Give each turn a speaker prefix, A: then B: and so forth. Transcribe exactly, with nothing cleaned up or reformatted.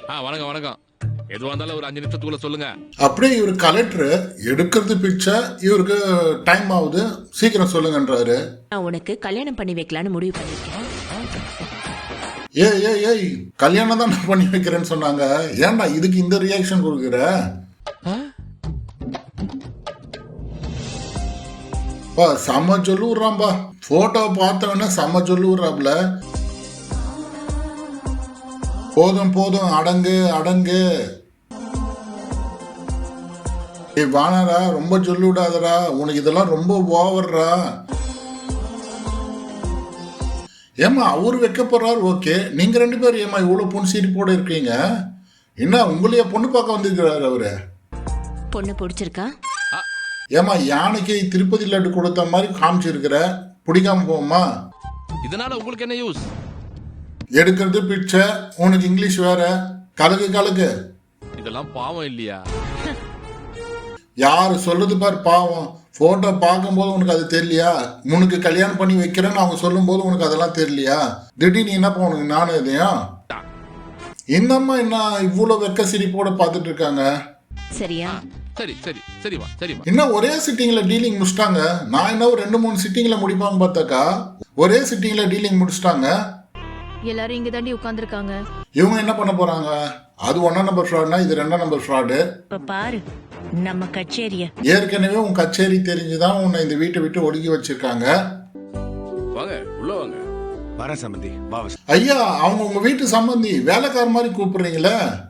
A: ஆ வணக்கம் வணக்கம். எதுவா இருந்தாலும் ஒரு அஞ்சு நிமிஷத்துக்குள்ள சொல்லுங்க.
B: அப்படியே இவர் கலெக்டர் எடுக்கிறது பிச்சை, இவருக்கு டைம் ஆகுது, சீக்கிரம் சொல்லுங்கன்றாரு.
C: நான் உனக்கு கல்யாணம் பண்ணி வைக்கலான்னு முடிவு பண்ணிருக்கேன்.
B: ஏய் ஏய் ஏய் கல்யாணம் தான் நான் பண்ணி வைக்கிறேன்னு சொன்னாங்க, ஏன்டா இதுக்கு இந்த ரியாக்ஷன் கொடுக்குற? பா செம்ம சொல்லு விட்றான்பா, போட்டோ பார்த்தவன செம்ம சொல்லு விட்றாப்ல. போதும் போதும் அடங்கு அடங்கு. ஏய் வானாரா, ரொம்ப சொல்லி விடாதடா, உனக்கு இதெல்லாம் ரொம்ப ஓவர்ரா. ஏமா அவரு வைக்க போறாரு, ஓகே, நீங்க ரெண்டு பேரும் ஏமா இவ்வளவு பொண்ணு சீரி போட இருக்கீங்க? என்ன உங்களைய பொண்ணு பார்க்க வந்திருக்கிறாரு அவரு?
C: பொண்ணு பிடிச்சிருக்கா?
B: ஏமா யானைக்கு திருப்பதி லட்டு கொடுத்த மாதிரி காமிச்சிருக்கிற, பிடிக்காம போமா?
A: இதனால உங்களுக்கு என்ன யூஸ்?
B: எடுக்கிறது பிச்சை, உனக்கு இங்கிலீஷ் வேற, கலக்கு கலக்கு.
A: இதெல்லாம் பாவம் இல்லையா?
B: யாரு சொல்றது பாரு பாவம். போட்டோ பார்க்கும்போது உனக்கு அது தெரியலையா? உனக்கு கல்யாணம் பண்ணி வைக்கிறேன்னு அவங்க சொல்லும் போது உனக்கு அதெல்லாம் தெரியலையா? திடீர்னு என்னப்பா உனக்கு நானும் இதையா? என்னம்மா என்ன இவ்வளவு வெக்க சிரிப்போட பார்த்துட்டு இருக்காங்க?
C: சரியா?
A: சரி சரி சரிமா சரிமா.
B: இன்னும் ஒரே சிட்டிங்ல டீலிங் முடிச்சிட்டாங்க. நான் என்ன ஒரு ரெண்டு மூணு சிட்டிங்ல முடிப்பாங்க பார்த்தாக்கா ஒரே சிட்டிங்ல டீலிங் முடிச்சிட்டாங்க.
D: எல்லாரும் இங்க தாண்டி உட்கார்ந்துருக்காங்க.
B: இவங்க என்ன பண்ண போறாங்க? அது ஒன்னா நம்பர் ஃப்ராட்னா இது ரெண்டாம் நம்பர் ஃப்ராடு.
C: இப்ப பாரு நம்ம கச்சேரிய.
B: ஏற்கனவே உன் கச்சேரி தெரிஞ்சுதான் உன்னை இந்த வீட்டை விட்டு ஒடுக்கி வச்சிருக்காங்க.
A: வாங்க உள்ள வாங்க.
E: வரேன் சம்பந்தி.
B: ஐயா அவங்க உங்க வீட்டு சம்பந்தி, வேலைக்கார மாதிரி கூப்பிடுறீங்களே.